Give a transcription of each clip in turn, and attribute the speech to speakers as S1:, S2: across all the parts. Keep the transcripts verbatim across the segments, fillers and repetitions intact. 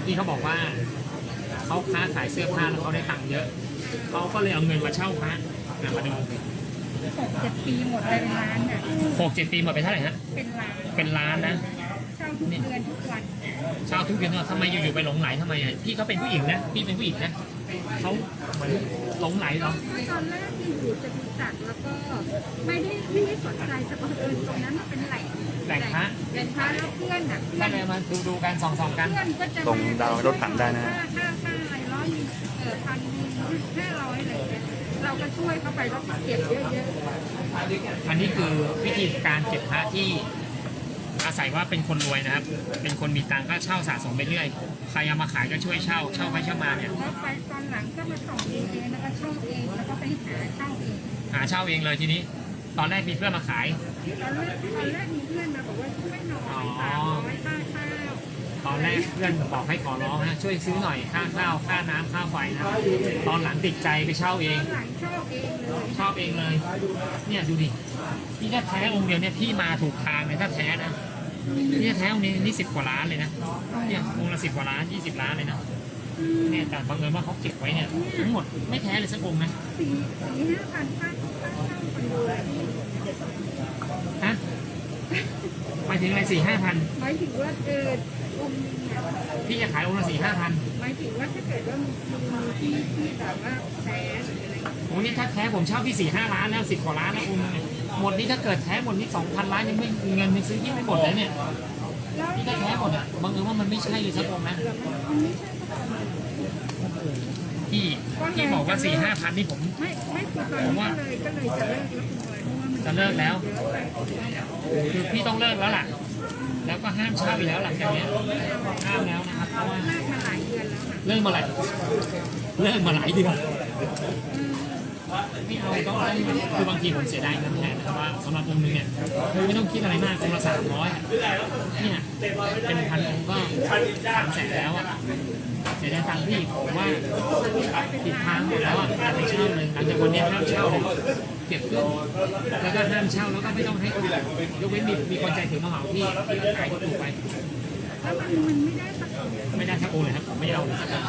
S1: พี่เขาบอกว่าเขาค้าขายเสื้อผ้าแล้วเขาได้ตังค์เยอะเขาก็เลยเอาเงินมาเช่าพระเนี่ยมาดู
S2: หกเจ็ดปีหมดไปเป็นล้านอ่ะ
S1: หกเจ็ดปีหมดไปเท่าไหร่ฮะ
S2: เป็นล้าน
S1: เป็นล้านนะ
S2: เช่าทุกเดือนทุกวัน
S1: เช่าทุกเดือนทำไมอยู่ๆไปหลงไหลทำไมอ่ะพี่เขาเป็นผู้หญิงนะพี่เป็นผู้หญิงนะเขาเหมือนหลงไหลเหรอ
S2: ตอนแรกที่อยู่จะมีจัดแล้วก็ไม่ได้ไม่ได้สนใจแต่บังเอิญตรงนั้นมันเป็นแหล่ง
S1: แหล่งพระ
S2: แหล่งพระแล้วเพื่อนอ่ะ
S1: ก็เลยมาดูดูกันส่องส่องกัน
S2: เพื่อนก็จะ
S3: ตรงดาวรถถังได้นะ
S2: ค่าค่าค่าอะไรร้อยหนึ่งเออพันห้าร้อยอะไรเงี้ยเราก็ช่วยเขาไปแล้วก็เก็บเยอะๆ
S1: อันนี้คือวิธีการเก็บพระที่อาศัยว่าเป็นคนรวยนะครับ เป็นคนมีตังค์ก็เช่าสะสมไปเรื่อยใครเอามาขายก็ช่วยเช่าเช่าไปเช่ามาเนี่ย
S2: แล้วไปตอนหลังก็มาส่งเองแล้วก็เช่าเองแล้วก็ไปหาเช่าเอง
S1: หาเช่าเองเลยทีนี้ ตอนแรกมีเพื่อนมาขาย
S2: ตอนแรกตอนแรกมีเพื่อนมาบอกว่าช่วยหน่อยสามร้อยค่าข้าว
S1: ตอนแรกเพื่อนบอกให้ขอร้องนะช่วยซื้อหน่อยค่าข้าวค่าน้ำค่าไฟนะตอนหลังติดใจไปเช่าเอง
S2: ตอนหลังเช่าเองเลย
S1: ชอบเองเลย เนี่ยดูดิพี่ถ้าแท้องค์เดียวเนี่ยพี่มาถูกทางเลยถ้าแท้นะนี่แท้องค์นี้นี่สิบกว่าล้านเลยนะเนี่ยองค์ละสิบกว่าล้านยี่สิบล้านเลยนะเนี่ยแต่บังเอิญว่าเขาเก็บไว้เนี่ยทั้งหมดไม่แท้เลยสักองค์นะ
S2: สี่สี่ห้าพันค่าค่าเช่าคอนโด
S1: ฮะหมายถึงอะไรสี่ห้าพัน
S2: หมายถึงว่าเออองค์นึงเนี่ย
S1: พี่จะขายองค์ละสี่ห้าพัน
S2: หมายถึงว่าถ้าเกิดว่ามีที่ที่แบบว่าแท้หรืออะไร
S1: โอ้นี่ถ้าแท้ผมเช่าพี่สี่ห้าล้านแล้วสิบกว่าล้านแล้วองค์นึงเนี่ยหมดนี่ถ้าเกิดแท้หมดนี่สองพันล้านยังไม่เงินยังซื้อที่ไม่หมดเลยเนี่ย
S2: แล้ว
S1: พี่ถ้าแท้หมดอ่ะบังเอิญว่ามันไม่ใช่เลยสักองค์นะ
S2: มันไม่ใช่ก็ตอนนั้น
S1: พี่พี่บอกว่าสี่ห้าพันนี่ผม
S2: ไม่ไม่คือตอนนี้ก็เลยก็เลยจะเลิกแล้วคุณบอยเพราะว่ามัน
S1: จะเลิกแล้ว คือพี่ต้องเลิกแล้วล่ะ แล้วก็ห้ามเช่าอีกแล้วหลังจากเนี้ยห้ามแล้วนะครับ เพราะว่า
S2: เลิกมาหลายเดือนแล้วค่ะ
S1: เลิกมาหลายเลิกมาหลายเดือนไม่เอาต้องคือบางทีผมเสียดายเงินแทนนะครับว่าสำหรับองค์นึงเนี่ยคือไม่ต้องคิดอะไรมากองค์ละสามร้อยเนี่ยเป็นพันองค์ก็สามแสนแล้วอ่ะเสียดายตังค์พี่ผมว่าติดทางหมดแล้วอ่ะอย่าไปเช่าเลยหลังจากวันนี้ห้ามเช่าเลยเก็บขึ้นแล้วก็ห้ามเช่าแล้วก็ไม่ต้องให้คนยกเว้นมีมีคนใจถึงมาเหมาพี่ที่ขายถูกไป
S2: แล้วมันมันไม่ได้สักคน
S1: ไม่ได้สักองค์เลยครับผมไม่เอาเลยสักองค์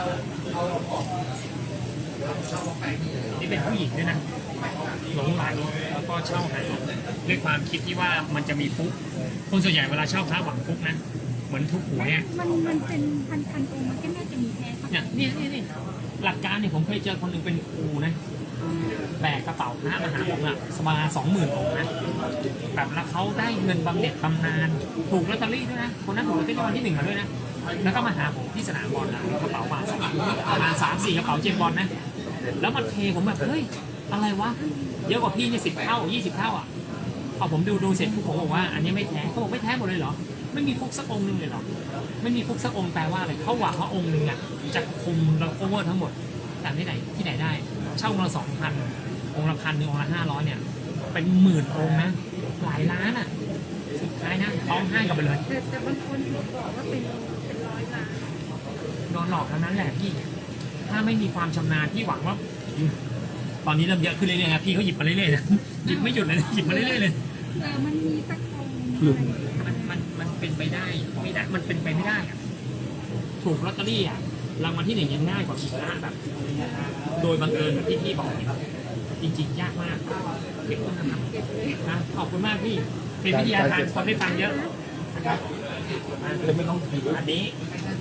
S1: นี่เป็นผู้หญิงด้วยนะหลงไหลแล้วก็เช่าหาด้วยความคิดที่ว่ามันจะมีฟุกคนส่วนใหญ่เวลาเช่าพระหวังฟุกนะเหมือนทุกหวยอ่ะ
S2: มันมันเป็นพันพันองค์มันก็น่าจะมีแท้สัก
S1: เนี่ยนี่นี่นี่หลักการเนี่ยผมเคยเจอคนหนึ่งเป็นครูนะแบกกระเป๋าพระมาหาผมอะสมาสองหมื่นองค์นะแบบแล้วเขาได้เงินบำเหน็จบำนาญถูกลอตเตอรี่ด้วยนะคนนั้นถูกลอตเตอรี่รางวัลที่หนึ่งมาด้วยนะแล้วก็มาหาผมที่สนามบอลนะกระเป๋ามาสองประมาณสามสี่กระเป๋าเจมบอลนะแล้วมันเทผมแบบเฮ้ยอะไรวะเยอะกว่าพี่เนี่ยสิบเท่ายี่สิบเท่าอ่ะพอผมดูดูเสร็จผมบอกว่าอันนี้ไม่แท้เขาบอกไม่แท้หมดเลยเหรอไม่มีฟุกสักองค์หนึ่งเลยเหรอไม่มีฟุกสักองค์แปลว่าอะไรเขาหวังว่าองค์หนึ่งอ่ะจะคุมเราโอเวอร์ทั้งหมดแต่ที่ไหนที่ไหนได้เช่าองค์ละสองพันองค์ละพันหนึ่งองค์ละห้าร้อยเนี่ยเป็นหมื่นองค์นะหลายล้านอ่ะสุดท้ายนะร้องไห้กลับไปเลย
S2: แต่แต่บางคนบอกว่าเป็นเป็นร้อยล้าน
S1: โดนหลอกทั้งนั้นแหละพี่ถ้าไม่มีความชำนาญพี่หวังว่าตอนนี้เริ่มเยอะขึ้นเรื่อยๆครับพี่เขาหยิบมาเรื่อยๆนะหยิบไม่หยุดเลยนะหยิบมาเรื่อยๆเลย
S2: เออมันมีสักองค์
S1: มันมันมันเป็นไปได้ไม่ได้มันเป็นไปไม่ได้อะถูกลอตเตอรี่อ่ะรางวัลที่หนึ่งยังง่ายกว่าผิดนะแบบ โดยบังเอิญแบบที่พี่บอกเนี่ยจริงๆยากมากเก็บต้นนะครับ
S2: เก็บเลย
S1: นะขอบคุณมากพี่เป็นวิทยาทานคนได้ฟังเยอะนะครับ
S3: เลยไม่ต้องถือ
S1: อันนี้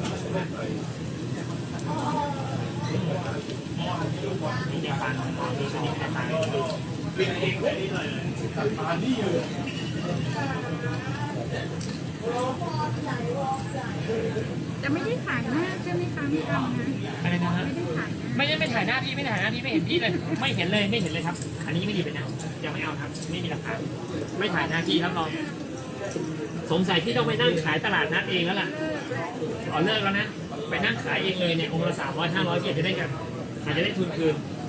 S1: นี่จะฟังนี่ชนิดไหนฟัง
S2: จะไม่ได้ขายหน้าใช่ไหมคะไม่ทำนะ
S1: อะไรนะฮะ
S2: ไม่ได้ขายหน้า
S1: ไม่ได้ไม่ถ่ายหน้าพี่ไม่ถ่ายหน้าพี่ไม่เห็นพี่เลยไม่เห็นเลยไม่เห็นเลยครับ อันนี้ไม่ดีไปนะยังไม่เอาครับไม่มีหลักฐานไม่ถ่ายหน้าพี่ครับรองสงสัยพี่ต้องไปนั่งขายตลาดนัดเองแล้วล่ะอ๋อเลิกแล้วนะไปนั่งขายเองเลยเนี่ยองค์ละสามร้อยห้าร้อยเกียรจะได้กันอาจจะได้ทุนคืน